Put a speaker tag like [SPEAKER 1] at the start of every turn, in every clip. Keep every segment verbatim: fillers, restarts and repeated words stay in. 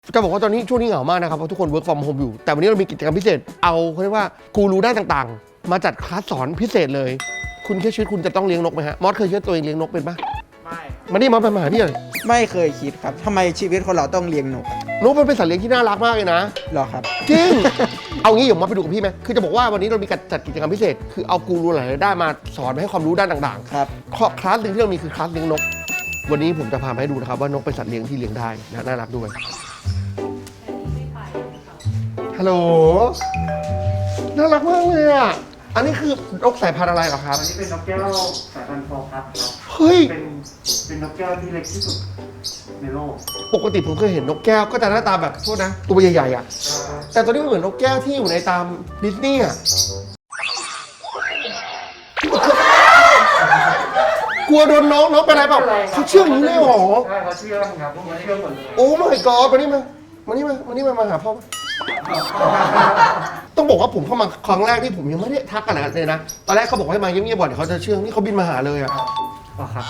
[SPEAKER 1] จะบอกว่าตอนนี้ช่วงนี้เหงามากนะครับเพราะทุกคน work from home อยู่แต่วันนี้เรามีกิจกรรมพิเศษเอาเขาเรียกว่ากูรูด้านต่างๆมาจัดคลาสสอนพิเศษเลยคุณแค่ชีวิตคุณจะต้องเลี้ยงนกไหมฮะมอสเคยเชื่อตัวเองเลี้ยงนกเป็นปะไม่มานี่มอสไปมาหาพี่เลย
[SPEAKER 2] ไม่เคยคิดครับทำไมชีวิตคนเราต้องเลี้ยงนก
[SPEAKER 1] นกมันเป็นสัตว์เลี้ยงที่น่ารักมากเลยนะ
[SPEAKER 2] หรอครับ
[SPEAKER 1] จริง เอางี้เดี๋ยวมอสไปดูกับพี่ไหมคือจะบอกว่าวันนี้เรามีการจัดกิจกรรมพิเศษคือเอากูรูหลายๆด้านมาสอนให้ความรู้ด้านต่างๆ
[SPEAKER 2] ครับ
[SPEAKER 1] คลาสหนึ่งที่เรามีคือคลาสเลี้ยงนกวันนี้ผมจะพาไปให้ดูนะครับว่านกเป็นสัตว์เลี้ยงที่เลี้ยงได้นะน่ารักด้วยฮัลโหลน่ารักมากเลยอ่ะอันนี้คือนกสายพันธุ์อะไรเหรอครับ
[SPEAKER 3] อันนี้เป็นนกแก้วสายพันธุ์ฟอร์พัดครับ
[SPEAKER 1] เฮ้ย
[SPEAKER 3] เป็นเป็นนกแก้วที่เล็กที่สุดในโลก
[SPEAKER 1] ปกติผมเคยเห็นนกแก้วก็จะหน้าตาแบบโทษนะตัวใหญ่ๆอ่ะแต่ตัวนี้มันเหมือนนกแก้วที่อยู่ในตามดิสนีย์อ่ะกลัวโดนน้องน้องเป็นอะไรเปล่าเขาเชื่องอย่างนี้เลยเหรอ
[SPEAKER 3] ใช่เขาเชื่องครับพวกมันเชื่องหมดเลย
[SPEAKER 1] โอ้ไม่กอดมานี่มามานี่มามานี่มามาหาพ่อต้องบอกว่าผมเข้ามาครั้งแรกที่ผมยังไม่ได้ทักกันเลยนะตอนแรกเขาบอกให้มาเงียบๆบ่อยเดี๋ยวเขาจะเชื่องนี่เขาบินมาหาเลยอ่ะ
[SPEAKER 3] อ๋อครับ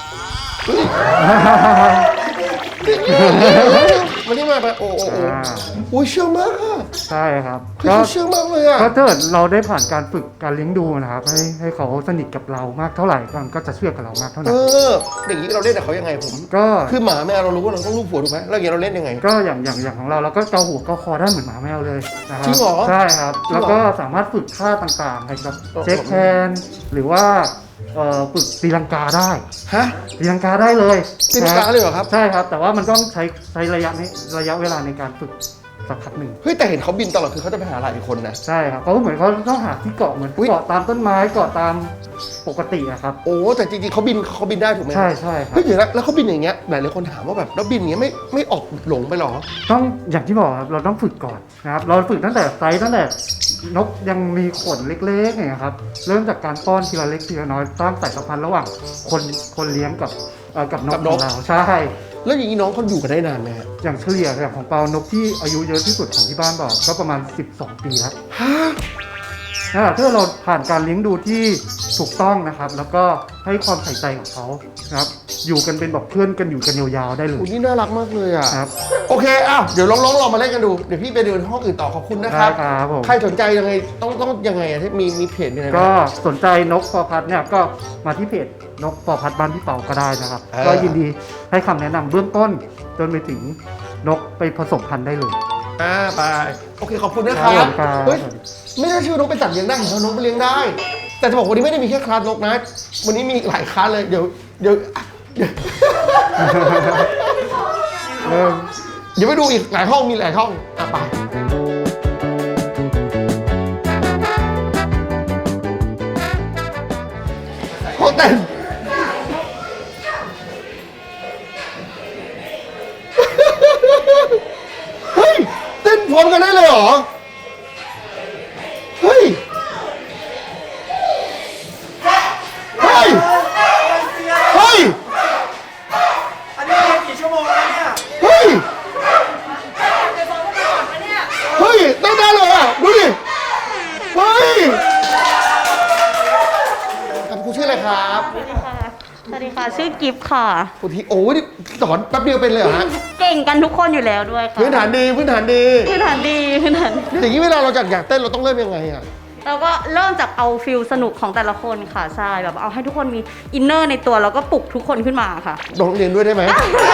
[SPEAKER 1] มานี่มาไปโอ้โอ้โอ้ยเชื่องมากอ่ะ
[SPEAKER 3] ใช่ครับ
[SPEAKER 1] ก็เชื่องมากเลยอ่ะ
[SPEAKER 3] ก็ถ้าเราได้ผ่านการฝึกการเลี้ยงดูนะครับให้ให้เขาสนิทกับเรามากเท่าไหร่ก็จะเชื่อกับเรามากเท่านั้น
[SPEAKER 1] เอออย่างนี้เราเล่นกับเขายังไงผมก็คือหมาแมวเรารู้ว่าเราต้องลูบหัวถูกไหมแล้วอย่างนี้เราเล่นยังไง
[SPEAKER 3] ก็อย่างอย่างอย่างของเราเราก็เกาหัวเกาคอได้เหมือนหมาแมวเลยนะครับ
[SPEAKER 1] จริงเหรอ
[SPEAKER 3] ใช่ครับแล้วก็สามารถฝึกท่าต่างๆให้กับเช็คแฮนด์หรือว่าฝึกตีลังกาได้
[SPEAKER 1] ฮะ
[SPEAKER 3] ตีลังกาได้เลย
[SPEAKER 1] ตีลังกาเลยเหรอครับ
[SPEAKER 3] ใช่ครับแต่ว่ามันต้องใช้ใช้ระยะนี้ระยะเวลาในการฝึกสักพักหนึ่ง
[SPEAKER 1] เฮ้ยแต่เห็นเขาบินตลอดคือเขาจะไปหาหลายคนนะ
[SPEAKER 3] ใช่ครับเขาเหมือนเขาต้องหาที่เกาะเหมือนเกาะตามต้นไม้เกาะตามปกติอะครับ
[SPEAKER 1] โอ้แต่จริงๆเขาบินเขาบินได้ถูกไหม
[SPEAKER 3] ใช่ใช่ครับ
[SPEAKER 1] เฮ้ยเดี๋ยวนะแล้วเขาบินอย่างเงี้ยหลายหลายคนถามว่าแบบแล้วบินอย่างเงี้ยไม่ไม่ออกหลงไปหรอ
[SPEAKER 3] ต้องอย่างที่บอกครับเราต้องฝึกก่อนนะครับเราฝึกตั้งแต่ไซส์ตั้งแต่นกยังมีขนเล็กๆเนี่ยครับเริ่มจากการป้อนทีละเล็กทีละน้อยสร้างสายสัมพันธ์ระหว่างคนคนเลี้ยงกับกับนกของเราใช่
[SPEAKER 1] แล้วอย่างนี้น้องเขาอยู่กันได้นานไหมฮะ
[SPEAKER 3] อย่างเฉลี่ยอย่างของเปานกที่อายุเยอะที่สุดของที่บ้านบอกก็ประมาณสิบสองปีแล้ว
[SPEAKER 1] ฮะ
[SPEAKER 3] นะถ้าเราผ่านการเลี้ยงดูที่ถูกต้องนะครับแล้วก็ให้ความใส่ใจของเขานะครับอยู่กันเป็นแบบเพื่อนกันอยู่กันยาวๆได้เลย
[SPEAKER 1] โอ้นี่น่ารักมากเลยอ่ะ
[SPEAKER 3] ครับ
[SPEAKER 1] โอเคอ้าวเดี๋ยวลองๆลองมาเล่นกันดูเดี๋ยวพี่ไปเดินห้องอื่นต่อขอบคุณนะครับ
[SPEAKER 3] ครับผม
[SPEAKER 1] ใครสนใจยังไงต้องต้องยังไงที่มีมีเพจยังไง
[SPEAKER 3] ก็สนใจนกฟอร์พัดเนี่ยก็มาที่เพจนกฟอร์พัดบ้านพี่เปาก็ได้นะครับก็ยินดีให้คำแนะนำเบื้องต้นจนไปถึงนกไปผสมพันธุ์ได้เลย
[SPEAKER 1] อ่าไปโอเคขอบคุณนะครับเฮ้ยไม่น่าเชื่อนกเป็นสัตว์เลี้ยงได้เห็นว่านกเป็นเลี้ยงได้แต่จะบอกวันนี้ไม่ได้มีแค่คลาสนกนะวันนี้มีหลายคลาสเลยเดี๋ยวเดี๋ยวเดี๋ยวเดี๋ยวไปดูอีกหลายห้องมีหลายห้องอ่ะไปห้องเต้นเฮ้ยเต้นพร้อมกันได้เลยเหรอเฮ้ยเฮ้ยเฮ้ย
[SPEAKER 2] อันนี้เรียนกี่ชั่วโมงแล้วเนี่ย
[SPEAKER 1] เฮ้ยเฮ้ยเต้นได้เลยอ่ะดูดิเฮ้ยคุณชื่ออะไรครับ
[SPEAKER 4] สวัสดีค่ะสวัสดีค่ะชื่อกิฟต์ค่ะ
[SPEAKER 1] คุณทีโอ้ยสอนแป๊บเดียวเป็นเลยเหรอฮะ
[SPEAKER 4] เก่งกันทุกคนอยู่แล้วด้วยค่ะ
[SPEAKER 1] พื้นฐานดีพื้นฐานดี
[SPEAKER 4] พื้นฐานดีพื้นฐาน
[SPEAKER 1] อย่างนี้เวลาเราอยากอยากเต้นเราต้องเริ่มยังไงอ่ะ
[SPEAKER 4] เราก็เริ่มจากเอาฟิลสนุกของแต่ละคนค่ะใช่แบบเอาให้ทุกคนมีอินเนอร์ในตัวแล้วก็ปลุกทุกคนขึ้นมาค่ะ
[SPEAKER 1] ลองเรียนด้วยได้ไหม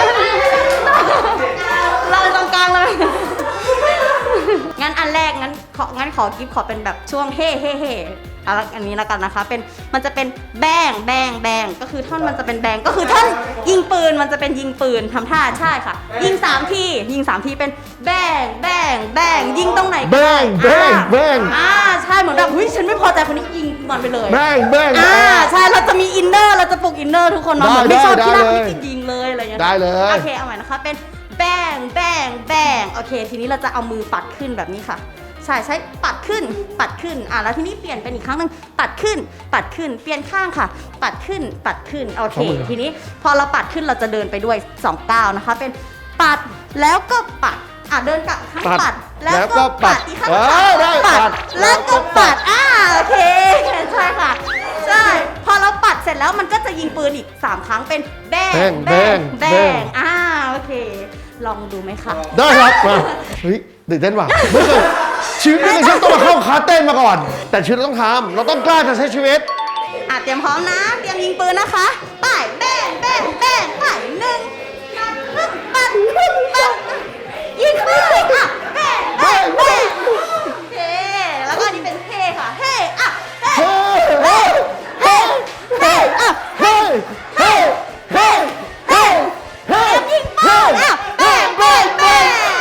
[SPEAKER 4] เราตรงกลางเลยงั้นอันแรกงั้นของั้นขอกิฟต์ขอเป็นแบบช่วงเฮ่เฮ่เฮ่อันนี้แล้วกันนะคะเป็นมันจะเป็นแบงแบงแบงก็คือท่อนมันจะเป็นแบงก็คือท่อนยิงปืนมันจะเป็นยิงปืนทำท่าใช่ค่ะยิงสามทียิงสามทีเป็นแบงแบงแบงยิงตรงไหน
[SPEAKER 1] แบงแบงแบง
[SPEAKER 4] อ่าใช่เหมือนแบบเฮ้ยฉันไม่พอใจคนนี้ยิงมันไปเลย
[SPEAKER 1] แบงแบง
[SPEAKER 4] อ่าใช่เราจะมีอินเนอร์เราจะปลุกอินเนอร์ทุกคนมาเหมือนไม่ชอบที่นั่งที่จะยิงเลยอะไรอย่างเงี้ย
[SPEAKER 1] ได้เลย
[SPEAKER 4] โอเคเอาใหม่นะคะเป็นแบงแบงแบงโอเคทีนี้เราจะเอามือปัดขึ้นแบบนี้ค่ะใช่ใช้ปัดขึ้นปัดขึ้นอ่ะแล้วทีนี้เปลี่ยนเป็นอีกครั้งหนึ่งปัดขึ้นปัดขึ้นเปลี่ยนข้างค่ะปัดขึ้นปัดขึ้นโอเคทีนี้พอเราปัดขึ้นเราจะเดินไปด้วยสองก้าวนะคะเป็นปัดแล้วก็ปัดอ่ะเดินกลับข้างปัดแล้วก็ปัดอีกข้างปัดแล้วก็ปัดอ่าโอเคใช่ค่ะใช่พอเราปัดเสร็จแล้วมันก็จะยิงปืนอีกสามครั้งเป็นแบงแบงแบงอ่าโอเคลองดูไหมคะ
[SPEAKER 1] ได้ครับมาเฮ้ยตื่นเต้นว่ะไม่เคยชีวิตไม่เคยต้องมาเข้าคลาสเต้นมาก่อน แต่ชีวิตเราต้องทำเราต้องกล้าจะใช้ชีวิต
[SPEAKER 4] อ่ะเตรียมพร้อมนะ เตรียมยิงปืนนะคะไปแบ้งแบ้งแบ้งไปหนึ่งปัดปัดปัดยิงไปอ่ะแบ้งแบ้งแบ้งเฮ้แล้วก็อันนี้เป็นเฮ้ค่ะเฮ้อ่ะเฮ้เฮ้เฮ้เฮ้อ่ะ
[SPEAKER 1] เฮ้ยเฮ้ยเฮ้ยเฮ้ยเฮ้ย
[SPEAKER 4] ยิงปืนอ่ะแบ้งแบ้งแบ้ง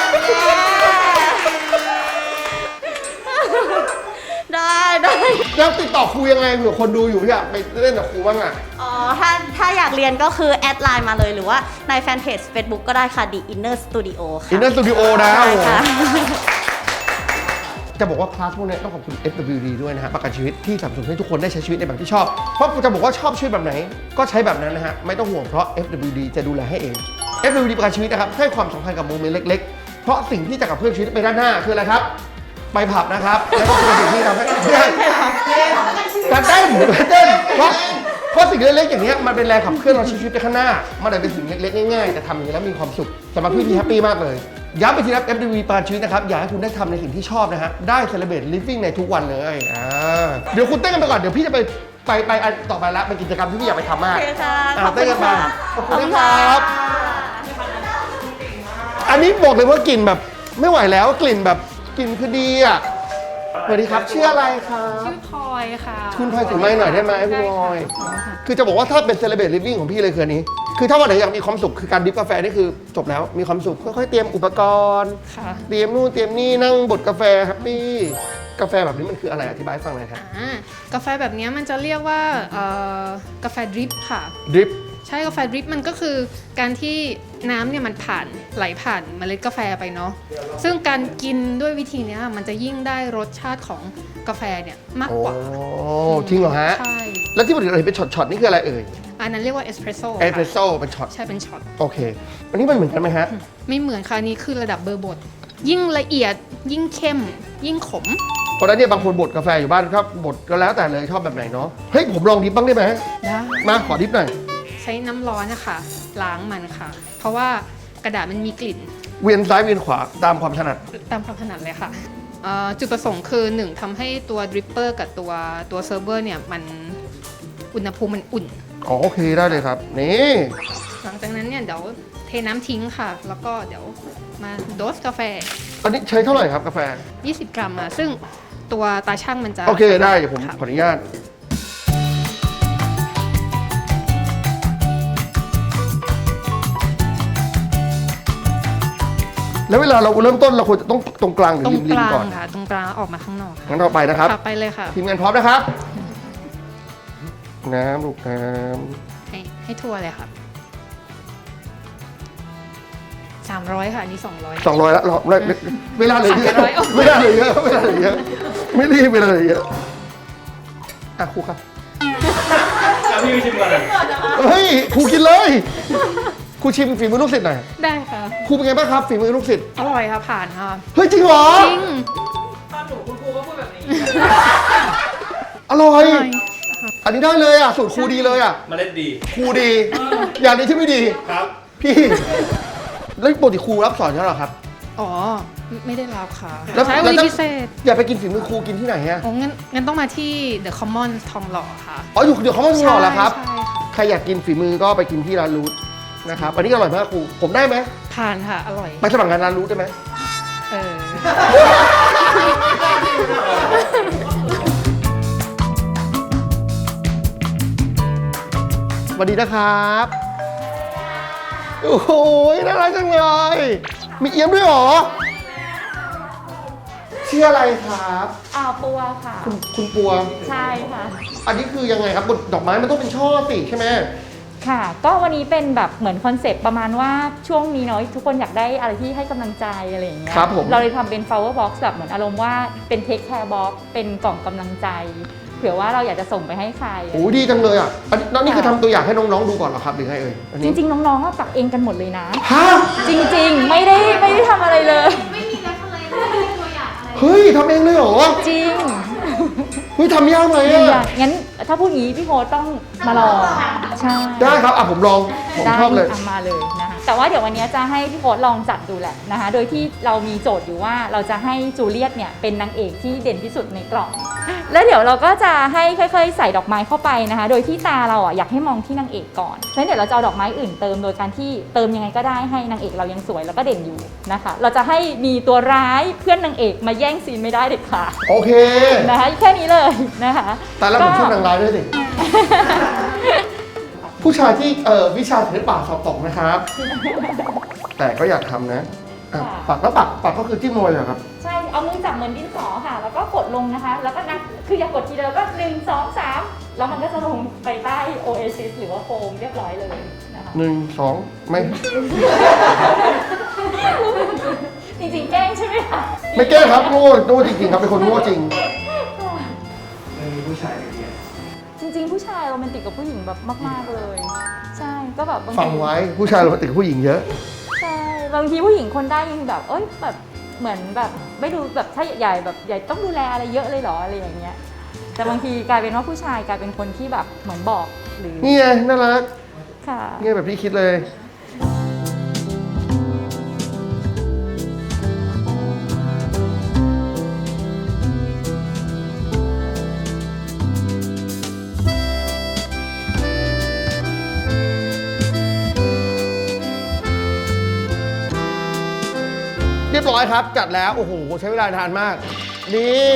[SPEAKER 4] ได้ได้
[SPEAKER 1] แล้วติดต่อครูยังไงเผื่อคนดูอยู่อยากไปเล่นกับครูบ้างอ่ะ
[SPEAKER 4] อ๋อ ถ้าถ้าอยากเรียนก็คือแอดไลน์มาเลยหรือว่าในแฟนเพจ Facebook ก็ได้ค่ะ The Inner Studio ค่ะ
[SPEAKER 1] Inner Studio นะ
[SPEAKER 4] ใช่ค่ะ
[SPEAKER 1] จะบอกว่าคลาสพวกนี้ต้องขอบคุณ เอฟ ดับเบิลยู ดี ด้วยนะฮะประกันชีวิตที่สนับสนุนให้ทุกคนได้ใช้ชีวิตในแบบที่ชอบ เพราะจะบอกว่าชอบชีวิตแบบไหน ก็ใช้แบบนั้นนะฮะไม่ต้องห่วงเพราะ เอฟ ดับเบิลยู ดี จะดูแลให้เอง เอฟ ดับเบิลยู ดี ประกันชีวิตนะครับให้ความสำคัญกับโมเมนต์เล็กๆ เพราะสิ่งที่จะกับเพื่อนชีวิตไปด้านหน้าคืออะไรครับไปผับนะครับแล้วก็คือสิ่งที่ทำให้การเต้นการเต้นเพราะเพราะสิ่งเล็กๆอย่างนี้ยมันเป็นแรงขับเคลื่อนเราใช้ชีวิตไปข้างหน้ามันเลยเป็นสิ่งเล็กๆง่ายๆแต่ทำอย่างนี้แล้วมีความสุขสำหรับพี่พี่แฮปปี้มากเลยย้ำไปทีนะ เอฟ ดับเบิลยู ดี ประกันชีวิตนะครับอยากให้คุณได้ทำในสิ่งที่ชอบนะฮะได้ celebrate living ในทุกวันเลยอ่าเดี๋ยวคุณเต้นกันไปก่อนเดี๋ยวพี่จะไปไปไปอันต่อไปละเป็นกิจกรรมที่พี่อยากไปทำมาก
[SPEAKER 4] โอเคค่ะ
[SPEAKER 1] อ่า
[SPEAKER 4] ขอบคุ
[SPEAKER 1] เต้น
[SPEAKER 4] ณ
[SPEAKER 1] กันมา
[SPEAKER 4] ค่ะ
[SPEAKER 1] ขอบคุณครับอันนี้บอกเลยว่ากลิ่นแบบไม่ไหวแล้วกลิ่นแบบกลิ่นคือดีอ่ะสวัสดีครับชื่ออะไรครับ
[SPEAKER 5] ชื่อพลอยค่ะ
[SPEAKER 1] คุณพลอยถึงไม้หน่อยได้ไหมคุณพลอย คือจะบอกว่าถ้าเป็น celebrate living ของพี่เลยคืออันนี้ คือถ้าวันไหนอยากมีความสุขคือการดริฟกาแฟนี่คือจบแล้วมีความสุขค่อยๆเตรียมอุปกรณ์
[SPEAKER 5] ค่ะ
[SPEAKER 1] เตรียมนู่นเตรียมนี่นั่งบดกาแฟแฮปปี้กาแฟแบบนี้มันคืออะไรอธิบายให้ฟังหน่อยครับ
[SPEAKER 5] อ่ากาแฟแบบนี้มันจะเรียกว่าเอ่อกาแฟดริปค่ะ
[SPEAKER 1] ดริป
[SPEAKER 5] ใช่กาแฟดริปมันก็คือการที่น้ำเนี่ยมันผ่านไหลผ่านเมล็ดกาแฟไปเนาะซึ่งการกินด้วยวิธีเนี้ยมันจะยิ่งได้รสชาติของกาแฟเนี่ยมาก
[SPEAKER 1] โอ้
[SPEAKER 5] กว่า
[SPEAKER 1] จริงเหรอฮะ
[SPEAKER 5] ใช่
[SPEAKER 1] แล้วที่ปกติเราเห็นเป็นช็อตๆนี่คืออะไรเอ่ย
[SPEAKER 5] อันนั้นเรียกว่าเอสเพรสโซ่
[SPEAKER 1] เอสเปรสโซ่เป็นช็อต
[SPEAKER 5] ใช่เป็นช็อต
[SPEAKER 1] โอเคอันนี้มันเหมือนกันไหมฮะ
[SPEAKER 5] ไม่เหมือนค่ะอันนี้คือระดับเบอร์บดยิ่งละเอียดยิ่งเข้ม ยิ่งขม
[SPEAKER 1] เพราะฉะนั้นเนี่ยบางคนบดกาแฟอยู่บ้านครับบดก็แล้วแต่เลยชอบแบบไหนเนาะเฮ้ยผมลองดริปบ้างได้ไหม
[SPEAKER 5] ได้
[SPEAKER 1] มาขอดริปหน่อย
[SPEAKER 5] ใช้น้ำร้อนนะคะล้างมันค่ะ เพราะว่ากระดาษมันมีกลิ่น
[SPEAKER 1] เวียนซ้ายเวียนขวาตามความถนัด
[SPEAKER 5] ตามความถนัดเลยค่ะเอ่อจุดประสงค์คือหนึ่งทำให้ตัวดริปเปอร์กับตัวตัวเซิร์ฟเวอร์เนี่ยมันอุณหภูมิมันอุ่น
[SPEAKER 1] อ๋อโอเคได้เลยครับนี่
[SPEAKER 5] หลังจากนั้นเนี่ยเดี๋ยวเทน้ำทิ้งค่ะ แล้วก็เดี๋ยวมาโดสกาแฟ
[SPEAKER 1] อันนี้ใช้เท่าไหร่ครับกาแฟ
[SPEAKER 5] ยี่สิบ กรัมอ่ะซึ่งตัวตาช่างมันจะ
[SPEAKER 1] โอเคได้เดี๋ยวผม
[SPEAKER 5] ค่ะ
[SPEAKER 1] ขออนุญาตแล้วเวลาเราเริ่มต้นเราควรจะต้องตรงกลางหรือ
[SPEAKER 5] ตรง
[SPEAKER 1] ริ
[SPEAKER 5] ก
[SPEAKER 1] ม
[SPEAKER 5] ลาง
[SPEAKER 1] ๆก่อน
[SPEAKER 5] ค่ะ ตรงกลางออกมาข้างนอกค่ะ
[SPEAKER 1] งั้นเราไปนะครับ
[SPEAKER 5] ค่ะไปเลยค่ะ
[SPEAKER 1] ทีมงานพร้อมนะครับ น้ำลูกน้
[SPEAKER 5] ให้ให้ทั่วเลยค่ะสามร้อยค่ะอันนี้สองร้อย
[SPEAKER 1] ำสองร้อยแล้วเราเวลาเหลือเยอะ
[SPEAKER 5] สามร้อย
[SPEAKER 1] เวลาเหลือเยอะเวลาเหลือเยอะไม่รีบเวลาเหลือเยอะอ่ะครูครับ
[SPEAKER 2] แล้วพี่ไปชิมก่อนเลย
[SPEAKER 1] เฮ้ยครูกินเลยครูชิมฝีมือลูกศิษย์หน่อย
[SPEAKER 5] ได้ค่ะ
[SPEAKER 1] ครูเป็นไงบ้างครับฝีมือลูกศิษย์
[SPEAKER 5] อร่อยค่ะผ่านค่ะ
[SPEAKER 1] เฮ้ยจริงเหรอ
[SPEAKER 5] จริง
[SPEAKER 2] ตอนหนูคุณครูก็พูดแบบนี้
[SPEAKER 1] อร่อย
[SPEAKER 5] อร่อย
[SPEAKER 1] อันนี้ได้เลยอ่ะสูตรครูดีเลยอ่ะ
[SPEAKER 2] เมล็ดดี
[SPEAKER 1] ครูดี อย่างนี้ที่ไม่ดี
[SPEAKER 2] ครับ
[SPEAKER 1] พี่ แล้วปกติครูรับสอนใช่หรอครับ
[SPEAKER 5] อ๋อไม่ไม่ได้รับค่ะ
[SPEAKER 1] แล้ว
[SPEAKER 5] ใช้
[SPEAKER 1] แล้ว
[SPEAKER 5] วิ
[SPEAKER 1] ถ้า
[SPEAKER 5] ธีพิเศษ
[SPEAKER 1] อย่าไปกินฝีมือครูกินที่ไหนฮะ
[SPEAKER 5] โอ้งั้นงั้นต้องมาที่ The Common ทองหล่อค่ะ
[SPEAKER 1] อ๋ออยู่เดี๋ยวเขาไม่รอแล้วครับ
[SPEAKER 5] ใช่ค่ะ
[SPEAKER 1] ใครอยากกินฝีมือก็ไปกินที่ร้านรูทนะครับ อันนี้อร่อยมากครู ผมได้ไหม
[SPEAKER 5] ผ่านค่ะ อร่อย
[SPEAKER 1] ไปสมัครงานร้านรูทได้ไหม
[SPEAKER 5] เออ
[SPEAKER 1] สวัสดีนะครับ โอ้โหน่ารักจังเลย มีเอี้ยมด้วยเหรอชื่ออะไรครับ
[SPEAKER 6] อ่าปัวค่ะ
[SPEAKER 1] คุณคุณปัว
[SPEAKER 6] ใช่ค่ะ
[SPEAKER 1] อันนี้คือยังไงครับบนดอกไม้มันต้องเป็นช่อสิใช่ไหม
[SPEAKER 6] ค่ะ ก็วันนี้เป็นแบบเหมือนคอนเซปต์ประมาณว่าช่วงนี้เนาะทุกคนอยากได้อะไรที่ให้กำลังใจอะไรอย่างเงี้ย
[SPEAKER 1] ครับผม
[SPEAKER 6] เราเลยทำเป็น flower box แบบเหมือนอารมณ์ว่าเป็น take care box เป็นกล่องกำลังใจ เผื่อว่าเราอยากจะส่งไปให้ใคร
[SPEAKER 1] โอ้ดีจังเลยอ่ะอันนี้นี่คือทำตัวอย่างให้น้องๆดูก่อนเหรอครับหรือไงเอ่ยอัน
[SPEAKER 6] จ
[SPEAKER 1] นี้
[SPEAKER 6] ริง ๆ น้องๆก็ปักเองกันหมดเลยนะ
[SPEAKER 1] ฮะ
[SPEAKER 6] จริง ๆ ไม่ได้ไม่ได้ทำอะไรเลย
[SPEAKER 1] เฮ้ยทำเองเลยเหรอ
[SPEAKER 6] จริง
[SPEAKER 1] เฮ้ยทำยากไหม
[SPEAKER 6] อย่า
[SPEAKER 1] อ่ะ
[SPEAKER 6] งั้นถ้าพูดงี้พี่โพสต้องมาลองใช่
[SPEAKER 1] ได้ครับอ่ะผมลองผม
[SPEAKER 6] ได้
[SPEAKER 1] ชอบเลย
[SPEAKER 6] ะมาเลยนะคะแต่ว่าเดี๋ยววันนี้จะให้พี่โพสลองจัดดูแหละนะคะ โดยที่เรามีโจทย์อยู่ว่าเราจะให้จูเลียตเนี่ยเป็นนางเอกที่เด่นที่สุดในกล่อง แล้วเดี๋ยวเราก็จะให้ค่อยๆใส่ดอกไม้เข้าไปนะคะ โดยที่ตาเราอ่ะอยากให้มองที่นางเอกก่อนแล้วเดี๋ยวเราจะเอาดอกไม้อื่นเติมโดยการที่เติมยังไงก็ได้ให้นางเอกเรายังสวยแล้วก็เด่นอยู่นะคะ เราจะให้มีตัวร้ายเพื่อนนางเอกมาแย่งซีนไม่ได้เด็ดขาด
[SPEAKER 1] โอเค
[SPEAKER 6] นะคะแค่นี้เลยนะคะ
[SPEAKER 1] แต่แล้วผมชอบนางร้ายด้วยสิ ผู้ชายที่เอ่อวิชาศิลปะสอบตกนะครับ แต่ก็อยากทำนะอ่ะปักแล้วปักปักก็คือจิ้มลงไปเลยเหรอครับ
[SPEAKER 6] ใช่ เอามือจับเหมือนดินสอค่ะ แล้วก็กดลงนะคะ แล้วก็นับ คืออย่ากดทีเดียวก็หนึ่งสองสามแล้วมันก็จะลงไปใต้โอเอซิสหรือว่าโฟมเรียบร้อยเลยนะคะ
[SPEAKER 1] หนึ่งสองไม่
[SPEAKER 6] จริงๆแกล้งใช่ไหมคะ
[SPEAKER 1] ไม่แก้ครับโง่โง่จริงๆครับเป็นคนโง่จริง
[SPEAKER 2] ไม่มีผู้ชายเลยเนี่ย
[SPEAKER 6] จริงๆ ผู้ชายโรแมนติกกับผู้หญิงแบบมาก ๆ เลย ใช่ ก็แบบบางที
[SPEAKER 1] ฟังไว้ผู้ชายโรแมนติกกับผู้หญิงเยอะ
[SPEAKER 6] ใช่ บางทีผู้หญิงคนได้ยังแบบ เอ้ย แบบ เหมือนแบบไม่ดูแบบถ้าใหญ่แบบใหญ่ต้องดูแลอะไรเยอะเลยเหรออะไรอย่างเงี้ย แต่บางทีกลายเป็นว่าผู้ชายกลายเป็นคนที่แบบเหมือนบอกหรือ
[SPEAKER 1] นี่ไงน่ารัก
[SPEAKER 6] ค่ะ
[SPEAKER 1] นี่แบบที่คิดเลย เรียบร้อยครับ จัดแล้ว โอ้โห ใช้เวลานานมาก นี่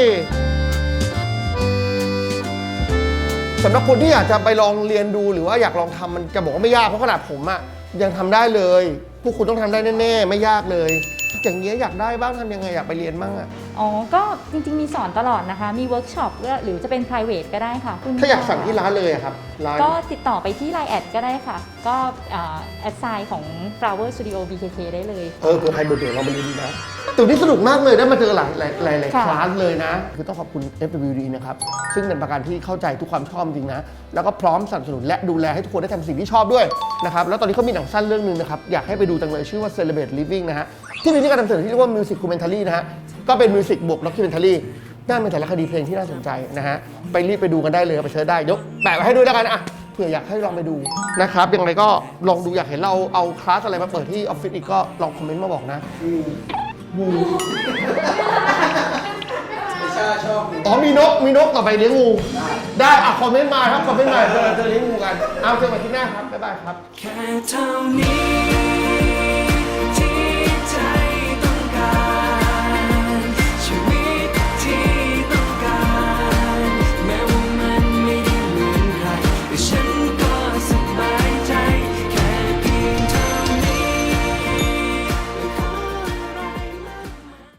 [SPEAKER 1] สำหรับคนที่อยากจะไปลองเรียนดูหรือว่าอยากลองทำมันจะบอกว่าไม่ยากเพราะขนาดผมอะยังทำได้เลย พวกคุณต้องทำได้แน่ๆ ไม่ยากเลย อย่างเงี้ยอยากได้บ้างทำยังไงอยากไปเรียนบ้างอะ
[SPEAKER 6] อ๋อ ก็จริงๆ มีสอนตลอดนะคะ มีเวิร์กช็อปหรือจะเป็น private ก็ได้ค่ะคุณ
[SPEAKER 1] ถ้าอยากสั่งที่ร้านเลยอะครับร้าน
[SPEAKER 6] ก็ติดต่อไปที่ ไลน์ แอดก็ได้ค่ะ ก็แอดไซน์ของ Flower Studio บี เค เค ได้เลย
[SPEAKER 1] เออเผื่อใครเบื่อๆเรามาเรียนดีนะตัวนี้สนุกมากเลยได้มาเจอหลายหลายหลายหลาย
[SPEAKER 6] ค่ะ
[SPEAKER 1] คลาสเลยนะ คือต้องขอบคุณ เอฟ ดับเบิลยู ดี นะครับ ซึ่งเป็นประกันที่เข้าใจทุกความชอบจริงนะ แล้วก็พร้อมสนับสนุนและดูแลให้ทุกคนได้ทำสิ่งที่ชอบด้วยนะครับ แล้วตอนนี้เขามีหนังสั้นเรื่องหนึงนะครับ อยากให้ไปดูจังเลยชื่อว่า Celebrate Living นะฮะ ที่มีที่การนำเสนอที่เรียกว่า Music Documentary นะฮะ ก็เป็นมิวสิกบวก Documentary น่าเป็นแต่ละคดีเพลงที่น่าสนใจนะฮะ ไปรีบไปดูกันได้เลยไปเสิร์ชได้ยกแปะไว้ให้ด้วยแล้วกันอ่ะเผื่ออยากให้ลองไปดูนะครับยังไงก็ลองดูอยากเห็นเราเอาคลาสอะไรมาเปิดที่ออฟฟิศอีกก็ลองคอมเมนต์มาบอกนะงู
[SPEAKER 2] ไม่ใช่ชอบ
[SPEAKER 1] อ๋อมีนกมีนกต่อไปเลี้ยงงูได้อ่ะคอมเมนต์มาครับคอมเมนต์มาเจอเจอเลี้ยงงูกันเอาเจอกันที่หน้าครับบ๊ายบายครับ
[SPEAKER 2] แค่เท่านี้